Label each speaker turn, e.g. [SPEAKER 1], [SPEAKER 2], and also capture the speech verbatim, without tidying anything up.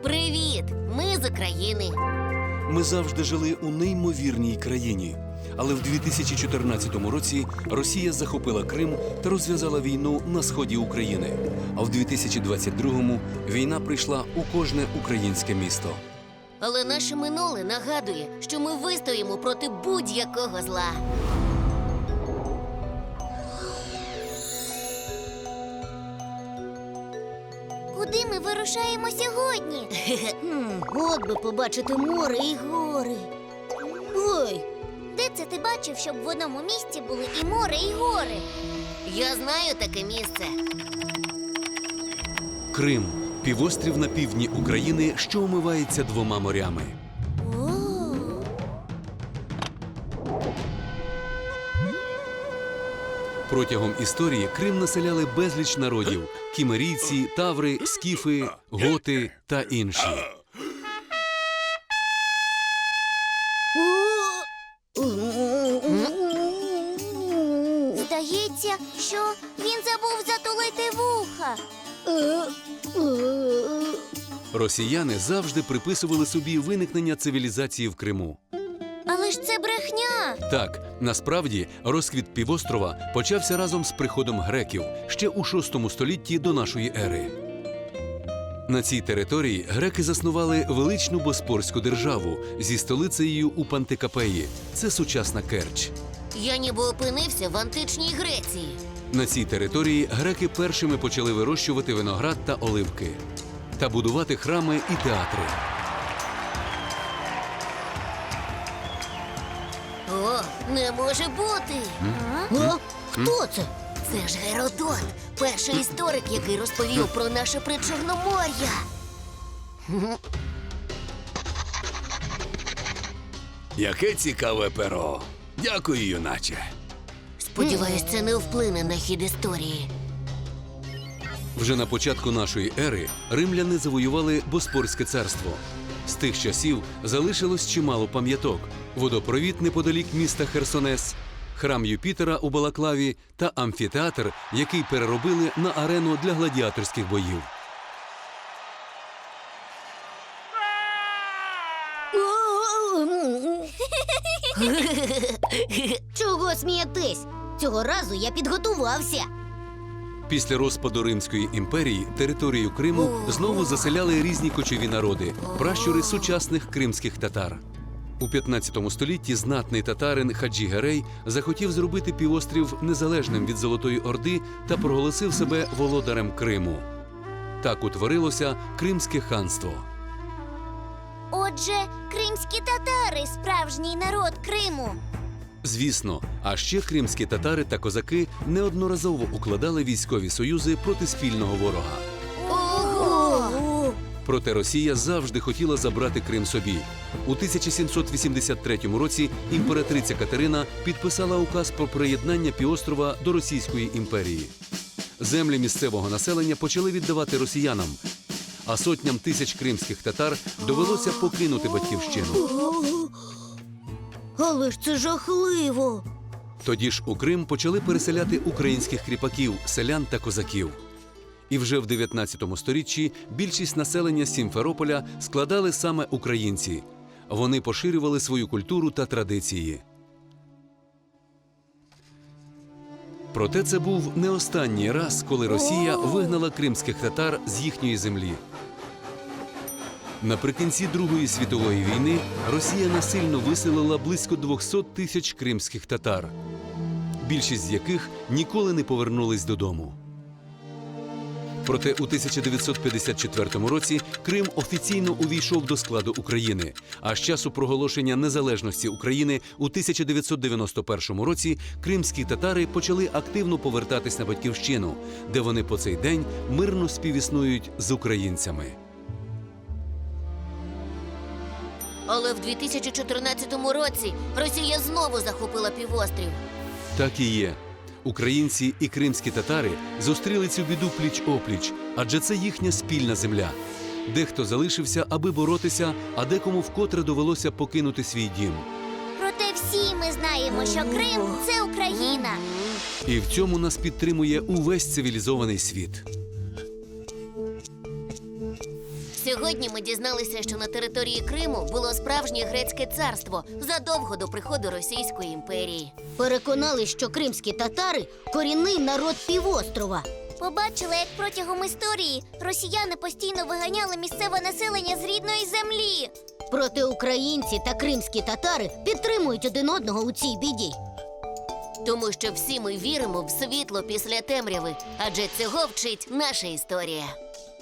[SPEAKER 1] Привіт! Ми з України.
[SPEAKER 2] Ми завжди жили у неймовірній країні. Але в дві тисячі чотирнадцятому році Росія захопила Крим та розв'язала війну на сході України. А в дві тисячі двадцять другому війна прийшла у кожне українське місто.
[SPEAKER 1] Але наше минуле нагадує, що ми вистоїмо проти будь-якого зла.
[SPEAKER 3] Куди ми вирушаємо сьогодні?
[SPEAKER 4] От би побачити море і гори. Ой,
[SPEAKER 3] Де це ти бачив, щоб в одному місці були і море, і гори?
[SPEAKER 1] Я знаю таке місце.
[SPEAKER 2] Крим – півострів на півдні України, що омивається двома морями.
[SPEAKER 4] о,
[SPEAKER 2] Протягом історії Крим населяли безліч народів – кімерійці, таври, скіфи, готи та інші.
[SPEAKER 3] Здається, що він забув затулити вуха.
[SPEAKER 2] Росіяни завжди приписували собі виникнення цивілізації в Криму.
[SPEAKER 3] Але ж це брехня.
[SPEAKER 2] Так, насправді, розквіт півострова почався разом з приходом греків ще у шостому столітті до нашої ери. На цій території греки заснували величну Боспорську державу зі столицею у Пантикапеї. Це сучасна Керч.
[SPEAKER 1] Я ніби опинився в античній Греції.
[SPEAKER 2] На цій території греки першими почали вирощувати виноград та оливки та будувати храми і театри.
[SPEAKER 1] О, не може бути!
[SPEAKER 4] О, хто це?
[SPEAKER 1] Це ж Геродот, перший історик, який розповів про наше Причорномор'я.
[SPEAKER 5] Яке цікаве перо. Дякую, юначе.
[SPEAKER 1] Сподіваюсь, це не вплине на хід історії.
[SPEAKER 2] Вже на початку нашої ери римляни завоювали Боспорське царство. З тих часів залишилось чимало пам'яток: водопровід неподалік міста Херсонес, храм Юпітера у Балаклаві та амфітеатр, який переробили на арену для гладіаторських боїв.
[SPEAKER 4] Чого смієтесь? Цього разу я підготувався.
[SPEAKER 2] Після розпаду Римської імперії територію Криму знову заселяли різні кочові народи – пращури сучасних кримських татар. У п'ятнадцятому столітті знатний татарин Хаджі Герей захотів зробити півострів незалежним від Золотої Орди та проголосив себе володарем Криму. Так утворилося Кримське ханство.
[SPEAKER 3] Отже, кримські татари – справжній народ Криму.
[SPEAKER 2] Звісно, а ще кримські татари та козаки неодноразово укладали військові союзи проти спільного ворога.
[SPEAKER 4] Ого!
[SPEAKER 2] Проте Росія завжди хотіла забрати Крим собі. У тисяча сімсот вісімдесят третьому році імператриця Катерина підписала указ про приєднання півострова до Російської імперії. Землі місцевого населення почали віддавати росіянам, а сотням тисяч кримських татар довелося покинути батьківщину.
[SPEAKER 4] Але ж це жахливо.
[SPEAKER 2] Тоді ж у Крим почали переселяти українських кріпаків, селян та козаків. І вже в дев'ятнадцятому сторіччі більшість населення Сімферополя складали саме українці. Вони поширювали свою культуру та традиції. Проте це був не останній раз, коли Росія вигнала кримських татар з їхньої землі. Наприкінці Другої світової війни Росія насильно виселила близько двохсот тисяч кримських татар, більшість з яких ніколи не повернулись додому. Проте у тисяча дев'ятсот п'ятдесят четвертому році Крим офіційно увійшов до складу України, а з часу проголошення незалежності України у тисяча дев'ятсот дев'яносто першому році кримські татари почали активно повертатись на батьківщину, де вони по цей день мирно співіснують з українцями.
[SPEAKER 1] Але в дві тисячі чотирнадцятому році Росія знову захопила півострів.
[SPEAKER 2] Так і є. Українці і кримські татари зустріли цю біду пліч-опліч, адже це їхня спільна земля. Дехто залишився, аби боротися, а декому вкотре довелося покинути свій дім.
[SPEAKER 3] Проте всі ми знаємо, що Крим – це Україна.
[SPEAKER 2] І в цьому нас підтримує увесь цивілізований світ.
[SPEAKER 1] Сьогодні ми дізналися, що на території Криму було справжнє грецьке царство задовго до приходу Російської імперії.
[SPEAKER 4] Переконали, що кримські татари – корінний народ півострова.
[SPEAKER 3] Побачила, як протягом історії росіяни постійно виганяли місцеве населення з рідної землі.
[SPEAKER 4] Проте українці та кримські татари підтримують один одного у цій біді.
[SPEAKER 1] Тому що всі ми віримо в світло після темряви, адже цього вчить наша історія.